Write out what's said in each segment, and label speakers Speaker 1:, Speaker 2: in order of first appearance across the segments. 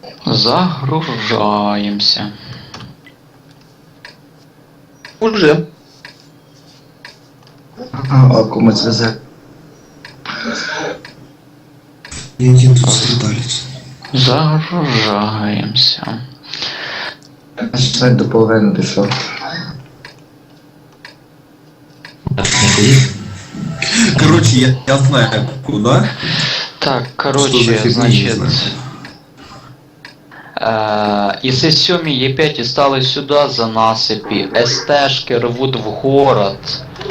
Speaker 1: Загружаемся.
Speaker 2: Уже. Кому связать?
Speaker 3: Я один тут страдалец.
Speaker 1: Загружаемся.
Speaker 2: Начинать до половины дійшов.
Speaker 3: Короче, я знаю куда.
Speaker 1: Так,
Speaker 3: Что за
Speaker 1: короче,
Speaker 3: фигня, не
Speaker 1: значит...
Speaker 3: знаю.
Speaker 1: Із С7 Е5 стали сюди за насипі, СТшки рвуть в город.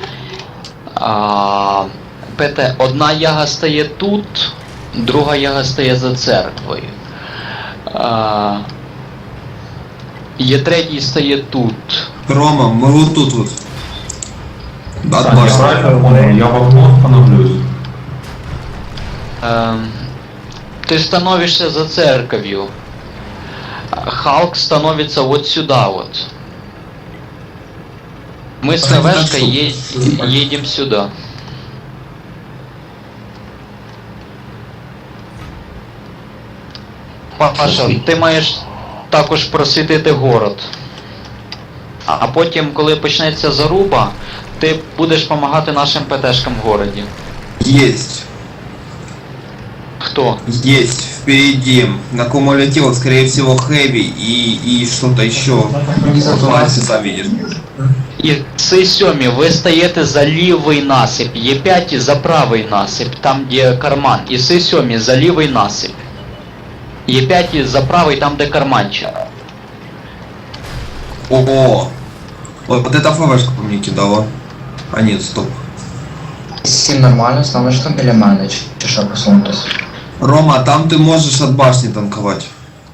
Speaker 1: ПТ, одна яга стає тут, друга яга стає за церквою. Е3 стає тут.
Speaker 3: Рома, мы вот тут вот. От
Speaker 4: Я
Speaker 3: башни.
Speaker 4: правильно понял, я в окно становлюсь.
Speaker 1: Ты становишься за церковью. Халк становится вот сюда вот. Мы с КВшкой едем сюда. Паша, ти маєш також просвітити город. А потім, коли почнеться заруба, ти будеш допомагати нашим ПТшкам в городі.
Speaker 3: Есть.
Speaker 1: Хто?
Speaker 3: Есть. Впереди. На кумулятивах, скорее всего, хэви и что-то еще. Вот Вася, сам видишь.
Speaker 1: І С7 ви стаєте за лівий насип, Е5 за правий насип, там де карман. І С7 за лівий насип. Е5 за правий, там де карманчик.
Speaker 3: О, вот эта ФВшка по мне кидала. А нет, стоп.
Speaker 2: Всім нормально, станеш там біля мене, чи що посунутись?
Speaker 3: Рома, там ты можешь от башни танковать.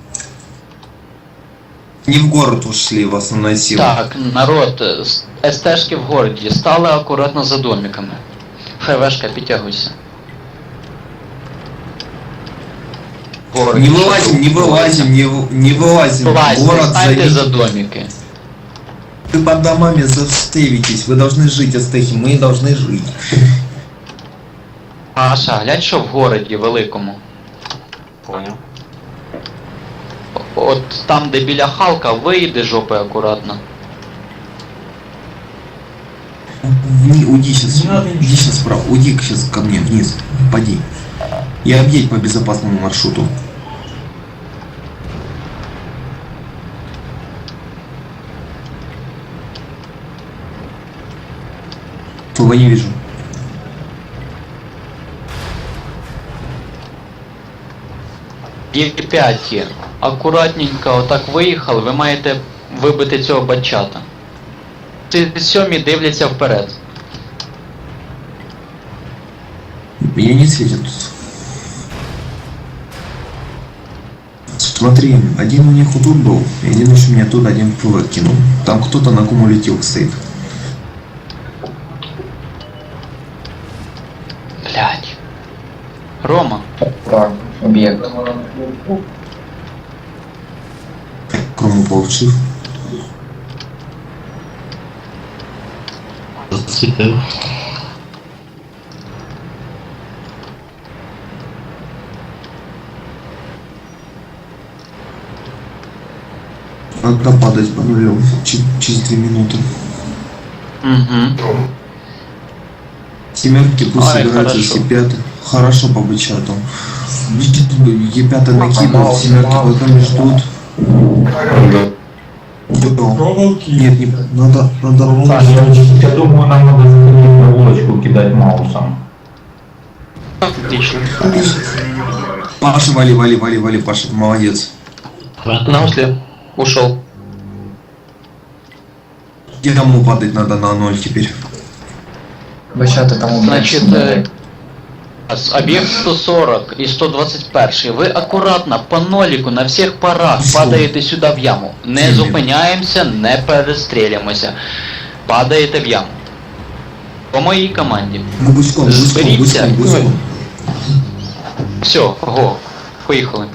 Speaker 3: Не в город ушли в основной силы.
Speaker 1: Так, народ, СТшки в городі, стали акуратно за домиками. ФВшка, підтягуйся.
Speaker 3: Не вылазим, не вылазим, не вылазим.
Speaker 1: Вылазь,
Speaker 3: Город
Speaker 1: станьте за
Speaker 3: зайдите.
Speaker 1: домики.
Speaker 3: Вы под домами застевитесь, вы должны жить, Астехи, мы должны жить.
Speaker 1: Паша, глянь, що в городі великому.
Speaker 5: Понял.
Speaker 1: От там, де біля Халка, вийди жопи акуратно.
Speaker 3: Уйди сейчас, иди сейчас вправо, уйди сейчас ко мне вниз, поди. И объедь по безопасному маршруту. Фуга не вижу.
Speaker 1: Е5, акуратненько отак виїхали, ви маєте вибити цього батчата. С7 дивляться вперед.
Speaker 3: Меня не светит тут. Смотри, один у них вот тут был, и один еще меня тут один в ФВ кинул. Там кто-то на кумулятивах стоит.
Speaker 1: Блять. Рома,
Speaker 2: Так, об'єкт.
Speaker 3: Крому получив.
Speaker 5: Зацепил.
Speaker 3: Надо падать по нулю через 2 минуты.
Speaker 1: угу.
Speaker 3: Семерки пусть
Speaker 1: Ай,
Speaker 3: собираются
Speaker 1: хорошо.
Speaker 3: С5. Хорошо по бычату. Е5 накидывают, семерки потом ждут. Нет, не надо
Speaker 4: Саш, я думаю, нам надо заходить на улочку, кидать маусом.
Speaker 1: Отлично.
Speaker 3: Паша, вали, Паша, ты молодец.
Speaker 1: На усле. Ушел.
Speaker 3: Кому падать надо на 0 теперь?
Speaker 2: Бачати там об'єкт.
Speaker 1: Значить, об'єкт 140 і 121. Ви акуратно по ноліку на всіх парах падаєте сюди в яму. Не зупиняємося, не перестрілюємося. Падаєте в яму. По моїй команді.
Speaker 3: Ну, гуськом.
Speaker 1: Зберіться. Все, го. Поїхали.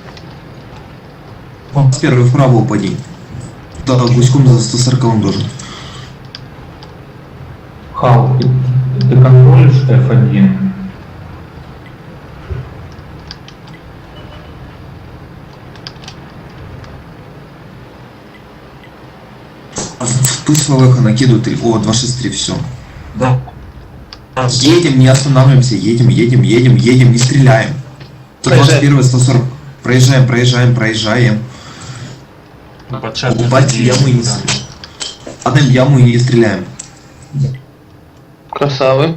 Speaker 3: С первой вправо упади. Да, гуськом за 140 должен.
Speaker 4: Хал, ты контролишь F1?
Speaker 3: Пусть ФВХ накидывают. О, 263, все.
Speaker 4: Да.
Speaker 3: Едем, не останавливаемся, едем, не стреляем. 121, 140. Проезжаем. Упасть в яму и не стреляем. Падаем в яму и не стреляем.
Speaker 5: Красавы.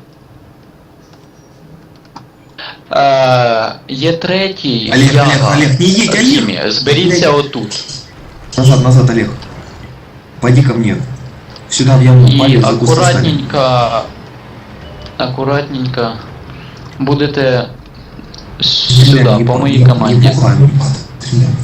Speaker 1: Є третій.
Speaker 3: Олег, не едь, Олег!
Speaker 1: Хімі, зберіться отут.
Speaker 3: Назад, Олег. Пойди ко мне. Сюда в яму упали,
Speaker 1: І
Speaker 3: за куст встали.
Speaker 1: акуратненько будете
Speaker 3: Стреляем,
Speaker 1: сюди,
Speaker 3: не
Speaker 1: по
Speaker 3: по-
Speaker 1: моїй
Speaker 3: не-
Speaker 1: команді.
Speaker 3: не пугаем. Стреляем.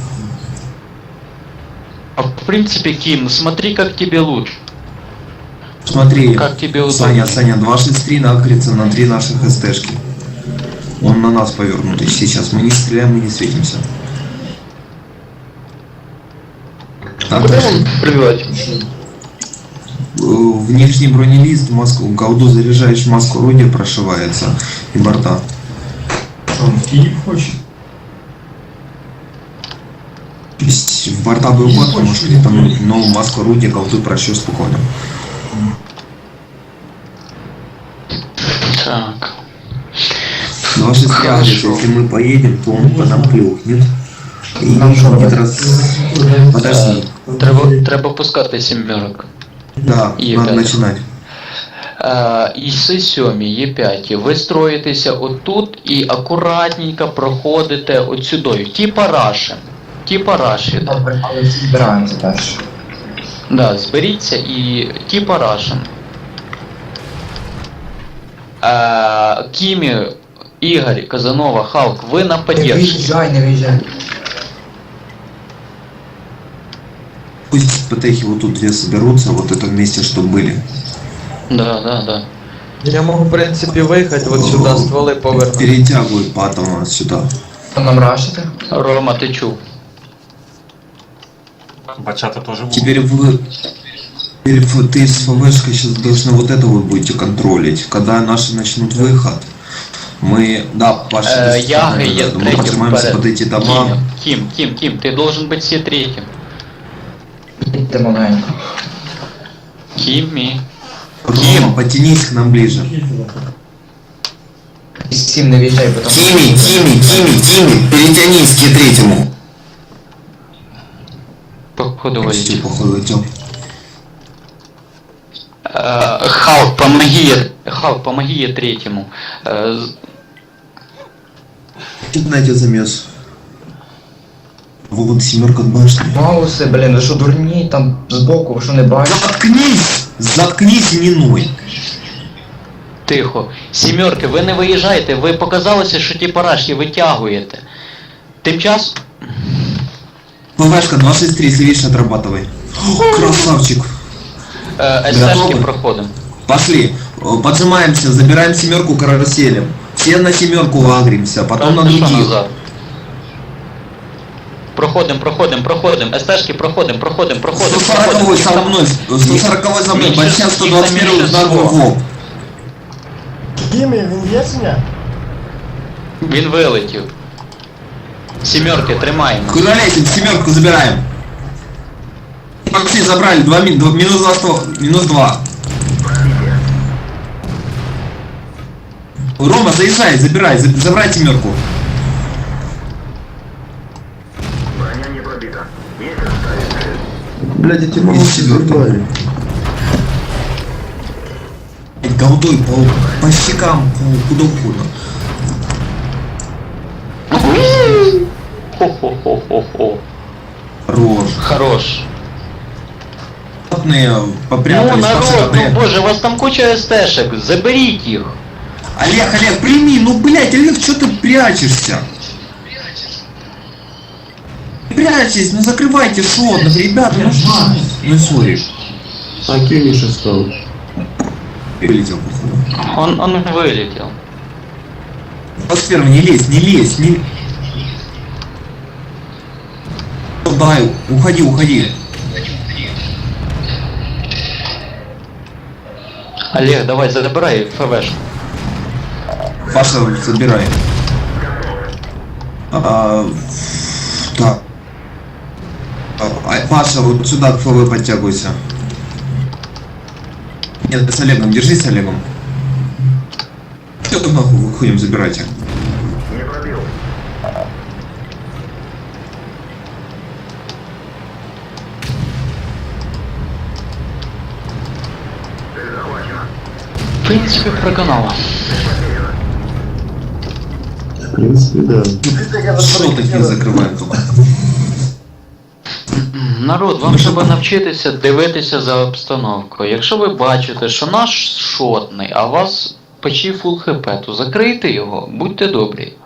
Speaker 1: А в принципе, Ким, смотри, как тебе лучше.
Speaker 3: Смотри,
Speaker 1: Как тебе удобно.
Speaker 3: Саня, 263 нагрится на 3 наших СТшки. Он на нас повернутый сейчас. Мы не стреляем, мы не светимся. Так,
Speaker 5: Пробивать.
Speaker 3: внешний бронелист, маску, голду заряжаешь, маску орудия прошивается и борта.
Speaker 4: Он в Киев хочет.
Speaker 3: То есть в борта был ход, может критануть, но маску орудия, голду прощу спокойно.
Speaker 1: Так.
Speaker 3: 263 адрес, если мы поедем, то он по нам клюкнет. И
Speaker 2: Нам что,
Speaker 3: будет Подожди.
Speaker 1: Треба пускати сімерок.
Speaker 3: Да,
Speaker 1: Е5.
Speaker 3: надо начинать.
Speaker 1: І С7, Е5. Ви строїтеся отут і акуратненько проходите от сюди. Типа раші.
Speaker 2: Добре, але збираємося перше.
Speaker 1: Да, зберіться і типа рашен. Кімі, Ігор, Казанова, Халк, ви на
Speaker 2: Не
Speaker 1: поддержці.
Speaker 2: виїжджай.
Speaker 3: Пусть патехи вот тут две соберутся, вот это вместе, что были.
Speaker 1: Да.
Speaker 6: Я можу, в принципі, виїхати от сюди, стволи повернути.
Speaker 3: Перетягивают патома сюда.
Speaker 2: Хто нам рашити?
Speaker 1: Рома, ти чув?
Speaker 5: Бачата тоже будут.
Speaker 3: Теперь ты с ФВшкой сейчас должны вот это вы будете контролить. Когда наши начнут выход, мы, да, Паша,
Speaker 1: Яга є
Speaker 3: мы
Speaker 1: третім
Speaker 3: поднимаемся
Speaker 1: вперед.
Speaker 3: под эти дома.
Speaker 1: Кім, ти должен бути всі третім.
Speaker 2: Їдьте маленько.
Speaker 1: Кімі.
Speaker 3: Рома, потянись к нам ближе.
Speaker 2: І 7 не виїжджай, бо там...
Speaker 3: Кими, перетянись к третьему.
Speaker 1: Походу
Speaker 3: Все,
Speaker 1: валить.
Speaker 3: походу, идем.
Speaker 1: Халк, помоги третьему.
Speaker 3: Знаете, замес. Вот семерка башни.
Speaker 2: Мауси, блін, ви що дурні, там збоку, ви що не бачите?
Speaker 3: Заткнись и не ной.
Speaker 1: Тихо. Сімерки, ви не виїжджаєте, ви показалося, що ті парашки витягуєте. Тим часом...
Speaker 3: ПВшка 263, если видишь, отрабатывай. О, красавчик.
Speaker 1: СТшки
Speaker 3: Готовы?
Speaker 1: проходимо.
Speaker 3: Пошли. Поджимаемся, забираем семерку каруселем. Все на семерку агримся, потом на
Speaker 1: Що
Speaker 3: других.
Speaker 1: назад? Проходим. СТшки проходим.
Speaker 3: 140 со мной, 140 за мной,
Speaker 1: Меньше-
Speaker 3: Бачьян
Speaker 1: их
Speaker 3: 121
Speaker 1: меньше
Speaker 3: удар
Speaker 1: всего.
Speaker 3: в лоб.
Speaker 7: Кімі, він є сня?
Speaker 1: Він вилетів. Сімерки, тримаємо.
Speaker 3: Куда лезем, семерку забираем. Макси забрали, минус 2. Рома, заезжай, забирай семерку.
Speaker 6: Блядь, я тебе
Speaker 3: могу
Speaker 6: сюда.
Speaker 3: Голдой по щекам, куда угодно.
Speaker 1: Хо-хо-хо-хо-хо.
Speaker 3: Рожь.
Speaker 1: Хорош.
Speaker 3: Попрятались,
Speaker 1: Ну, народ,
Speaker 3: пацаны.
Speaker 1: ну боже, у вас там куча СТшек, заберіть їх.
Speaker 3: Олег, прими, ну блять, Олег, что ты прячешься? Прячьтесь, ну закрывайте шот, ну, ребят, ну сори.
Speaker 6: А Кімі що став?
Speaker 3: Вылетел, походу.
Speaker 1: Он вилетів.
Speaker 3: 21, не лезь. Дай, уходи.
Speaker 1: Олег, давай, забирай ФВшку.
Speaker 3: Паша, забирай. Так. Паша, вот сюда к ФВ подтягивайся. Нет, с Олегом, держись с Олегом. Все, нахуй, выходим, забирайте.
Speaker 1: В принципі, проканала.
Speaker 8: В принципе, да.
Speaker 3: Что такие закрываем только?
Speaker 1: Народ, вам треба навчитися дивитися за обстановкою. Якщо ви бачите, що наш шотний, а у вас почти фул хп, то закрийте його, будьте добрі.